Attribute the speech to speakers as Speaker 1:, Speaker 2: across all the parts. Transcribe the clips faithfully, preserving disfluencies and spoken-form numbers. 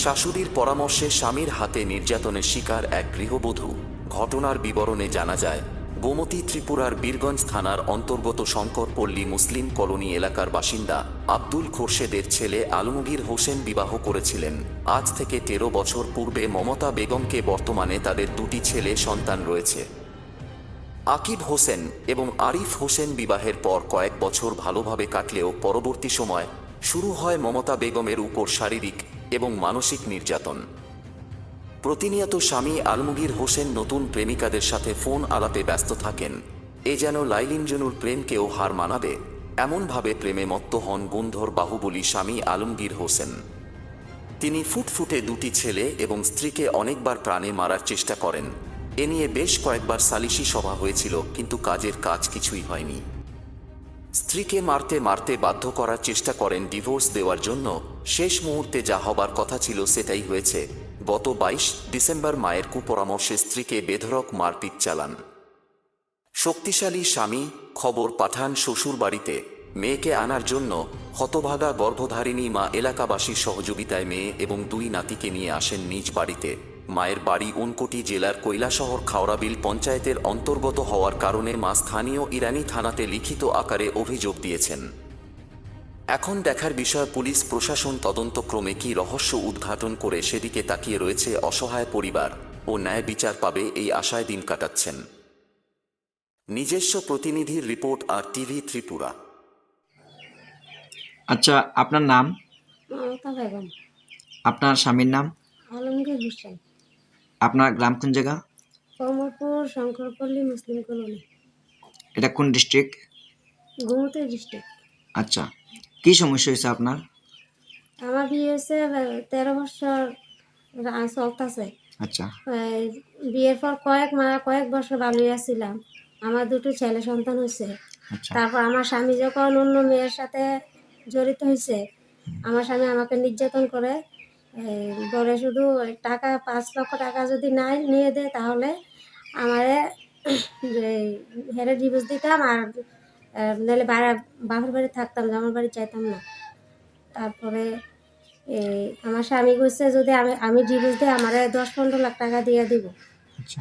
Speaker 1: শাশুড়ির পরামর্শে স্বামীর হাতে নির্যাতনের শিকার এক গৃহবধূ। ঘটনার বিবরণে জানা যায়, গোমতী ত্রিপুরার বীরগঞ্জ থানার অন্তর্গত শঙ্করপল্লী মুসলিম কলোনি এলাকার বাসিন্দা আব্দুল খোরশেদের ছেলে আলমগীর হোসেন বিবাহ করেছিলেন আজ থেকে তেরো বছর পূর্বে মমতা বেগমকে। বর্তমানে তাদের দুটি ছেলে সন্তান রয়েছে। আকিব হোসেন এবং আরিফ হোসেন বিবাহের পর কয়েক বছর ভালোভাবে কাটলেও পরবর্তী সময় শুরু হয় মমতা বেগমের উপর শারীরিক এবং মানসিক নির্যাতন। প্রতিনিয়ত স্বামী আলমগীর হোসেন নতুন প্রেমিকাদের সাথে ফোন আলাপে ব্যস্ত থাকেন। এ যেন লাইলিনজনুর প্রেমকেও হার মানাবে এমনভাবে প্রেমে মত্ত হন গুন্ধর বাহুবলী স্বামী আলমগীর হোসেন। তিনি ফুটফুটে দুটি ছেলে এবং স্ত্রীকে অনেকবার প্রাণে মারার চেষ্টা করেন। এ নিয়ে বেশ কয়েকবার সালিশি সভা হয়েছিল, কিন্তু কাজের কাজ কিছুই হয়নি। স্ত্রীকে মারতে মারতে বাধ্য করার চেষ্টা করেন ডিভোর্স দেওয়ার জন্য। শেষ মুহূর্তে যা হবার কথা ছিল সেটাই হয়েছে। গত বাইশ ডিসেম্বর মায়ের কুপরামর্শে স্ত্রীকে বেধড়ক মারপিট চালান শক্তিশালী স্বামী। খবর পাঠান শ্বশুর বাড়িতে। মেয়েকে আনার জন্য হতভাগা গর্ভধারিণী মা এলাকাবাসীর সহযোগিতায় মেয়ে এবং দুই নাতিকে নিয়ে আসেন নিজ বাড়িতে। মায়ের বাড়ি ঊনকোটি জেলার কৈলাসহর খাওড়াবিল পঞ্চায়েতের অন্তর্গত হওয়ার কারণে মা স্থানীয় ইরানি থানাতে লিখিত আকারে অভিযোগ দিয়েছেন। এখন দেখার বিষয় পুলিশ প্রশাসন তদন্তক্রমে কি রহস্য উদ্ঘাটন করে সেদিকে তাকিয়ে রয়েছে অসহায় পরিবার ও ন্যায় বিচার পাবে এই আশায় দিন কাটাচ্ছেন। নিজস্ব প্রতিনিধির রিপোর্ট, আর টিভি ত্রিপুরা।
Speaker 2: আচ্ছা, আপনার নাম?
Speaker 3: মমতা বেগম।
Speaker 2: আপনার স্বামীর নাম?
Speaker 3: আলমগীর হোসেন।
Speaker 2: আপনার গ্রাম কোন জায়গা?
Speaker 3: Komarpur Shankarpalli Muslim colony.
Speaker 2: এটা কোন ডিস্ট্রিক্ট?
Speaker 3: গোমতী ডিস্ট্রিক্ট।
Speaker 2: আচ্ছা, কি সমস্যা হয়েছে আপনার?
Speaker 3: আমার বিয়ে হয়েছে তেরো বছর চলতেছে।
Speaker 2: আচ্ছা,
Speaker 3: বিয়ের পর কয়েক মা কয়েক বছর ভালোই ছিলাম। আমার দুটো ছেলে সন্তান হয়েছে।
Speaker 2: আচ্ছা,
Speaker 3: তারপর আমার স্বামী যখন অন্য মেয়ের সাথে জড়িত হয়েছে, আমার স্বামী আমাকে নির্যাতন করে বলে শুধু টাকা পাঁচ লক্ষ টাকা যদি নাই নিয়ে দেয় তাহলে আমারে হেরে ডিভোর্স দিতাম, আর নাহলে বাপের বাড়ি থাকতাম, আমার বাড়ি চাইতাম না। তারপরে এই আমার স্বামী বলছে যদি আমি আমি ডিভোর্স দিই আমারে দশ পনেরো লাখ টাকা দিয়ে দিব।
Speaker 2: আচ্ছা,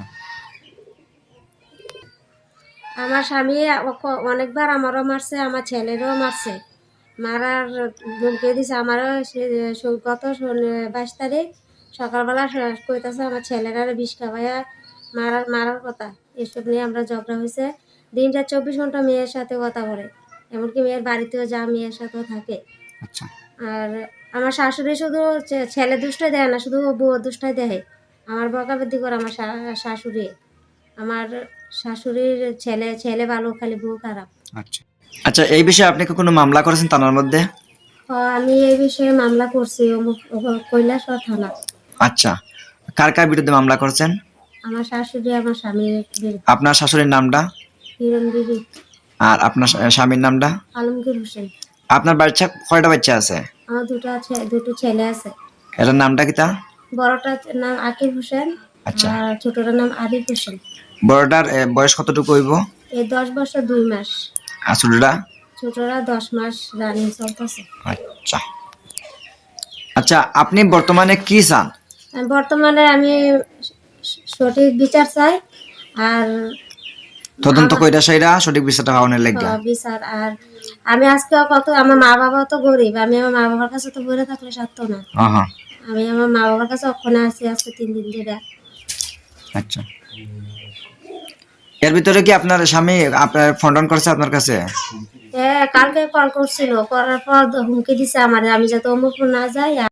Speaker 3: আমার স্বামী অনেকবার আমারও মারছে, আমার ছেলেরও মারছে, মারার ধমকি দিছে। আমারও গত বাইশ তারিখ সকালবেলা কইতাছে আমার ছেলেরা বিষ খাওয়াইয়া মারার মারার কথা। এসব নিয়ে আমরা ঝগড়া হয়েছে। দিনটা চব্বিশ ঘন্টা মেয়ের সাথে কথা বলে, এমনকি মেয়ের বাড়িতেও যা মেয়ের সাথেও থাকে।
Speaker 2: আচ্ছা,
Speaker 3: আর আমার শাশুড়ি শুধু ছেলে দুষ্টাই দেয় না, শুধু বউ দুষ্টাই দেয়। আমার বকাবৃদ্ধি করে আমার শাশুড়ি। আমার শাশুড়ির ছেলে ছেলে ভালো, খালি বউ খারাপ।
Speaker 2: আচ্ছা, আচ্ছা, এই বিষয়ে আপনি কি কোনো মামলা করেছেন থানার মধ্যে?
Speaker 3: আমি এই বিষয়ে মামলা করছি কৈলাসহর থানা।
Speaker 2: আচ্ছা, কার কার বিরুদ্ধে মামলা করেছেন?
Speaker 3: আমার শাশুড়ি, আমার স্বামীর বিরুদ্ধে।
Speaker 2: আপনার শাশুড়ির নামটা?
Speaker 3: হিরণ বিবি।
Speaker 2: আর আপনার স্বামীর নামটা?
Speaker 3: আলমগীর হোসেন।
Speaker 2: আপনার বাচ্চা কয়টা বাচ্চা আছে?
Speaker 3: আমার দুটো আছে, দুটো ছেলে আছে।
Speaker 2: এটার নামটা কি? তা
Speaker 3: বড়টার নাম আকিব হোসেন।
Speaker 2: আচ্ছা,
Speaker 3: আর ছোটটার নাম আরিফ হোসেন।
Speaker 2: বড়টার বয়স কতটুকু হইব?
Speaker 3: এই দশ বছর দুই মাস।
Speaker 2: আর ছোটটা?
Speaker 3: ছোটরা দশ মাস রানিং চলতেছে।
Speaker 2: আচ্ছা, আচ্ছা, আপনি বর্তমানে কি চান?
Speaker 3: বর্তমানে আমি সঠিক বিচার চাই, আর
Speaker 2: তদন্ত কইরা সেইরা সঠিক বিচারটা পাওয়ার লাগবে
Speaker 3: বিচার। আর আমি আজকে কত, আমার মা বাবা তো গরিব, আমি আমার মা বাবার কাছে তো ঘুরে থাকলে সাধ্য না।
Speaker 2: হ্যাঁ,
Speaker 3: আমি আমার মা বাবার কাছে ওখানে আছি আজকে তিন দিন ধরে।
Speaker 2: আচ্ছা, এর ভিতরে কি আপনার স্বামী আপনার ফোন টোন করছে আপনার কাছে?
Speaker 3: হ্যাঁ, কালকে কল করছিল, করার পর হুমকি দিছে আমার আমি যাতে অমুক না যাই।